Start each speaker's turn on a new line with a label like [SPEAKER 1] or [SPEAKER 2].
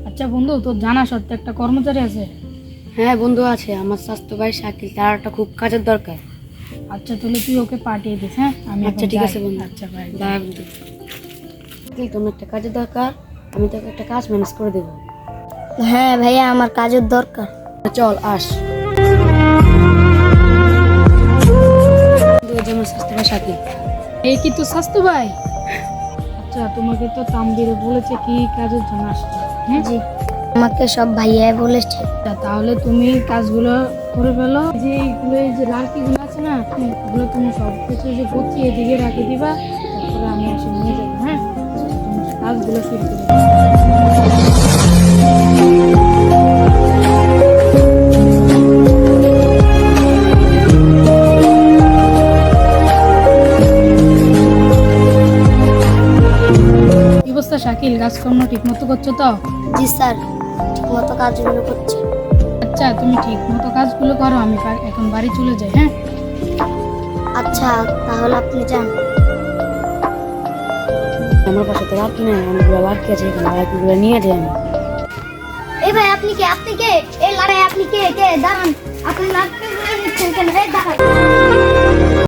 [SPEAKER 1] আচ্ছা বন্ধু, তোর জানা সত্ত্বে একটা কর্মচারী আছে?
[SPEAKER 2] হ্যাঁ বন্ধু আছে, আমার স্বাস্থ্য ভাই শাকিল, তার একটা খুব কাজের দরকার।
[SPEAKER 1] আচ্ছা তাহলে তুই ওকে পাঠিয়ে দিস। হ্যাঁ আমি
[SPEAKER 2] আচ্ছা
[SPEAKER 1] এখন
[SPEAKER 2] ঠিক
[SPEAKER 1] যাই।
[SPEAKER 2] আছে বন্ধু।
[SPEAKER 1] আচ্ছা ভাই।
[SPEAKER 2] বাই বন্ধু। শাকিল, তোমার একটা কাজের দরকার, আমি তোকে একটা কাজ ম্যানেজ করে দেবো।
[SPEAKER 3] হ্যাঁ ভাইয়া, আমার কাজের দরকার।
[SPEAKER 2] চল আস। বন্ধু, এই যে আমার স্বাস্থ্য ভাই শাকিল।
[SPEAKER 1] এই কি তোর স্বাস্থ্য ভাই? আচ্ছা তোমাকে তো তামবির বলেছে কি কাজের জন্য আসছে? হ্যাঁ
[SPEAKER 3] জি, আমাকে সব ভাইয়া বলেছে।
[SPEAKER 1] আচ্ছা, তাহলে তুমি কাজগুলো করে ফেলো। যে এইগুলো, এই যে লাড়কিগুলো আছে না, এগুলো তুমি সব কিছু যে গুছিয়ে এদিকে রাখে দিবা, তারপরে আমি এসে নিয়ে যাবো। হ্যাঁ তুমি কাজগুলো শুরু করে দাও। কি অবস্থা শাকিল, কাজকর্ম ঠিক মতো করছো তো?
[SPEAKER 3] জি স্যার, ঠিক মতো কাজগুলো করছে।
[SPEAKER 1] আচ্ছা তুমি ঠিক মতো কাজগুলো করো, আমি এখন বাড়ি চলে যাই। হ্যাঁ
[SPEAKER 3] আচ্ছা তাহলে আপনি যান।
[SPEAKER 2] আমার পাশে তো লাড়কি নেই, অনেকগুলো লাড়কি আছে, এখানে লাড়কিগুলো নিয়ে যাই আমি।
[SPEAKER 3] এই ভাই, আপনি কে? আপনি কে? এই লাড়াই আপনি কে? কে দাঁড়ান, আপনি লাড়কি নিচ্ছেন কেন? এই দাঁড়ান।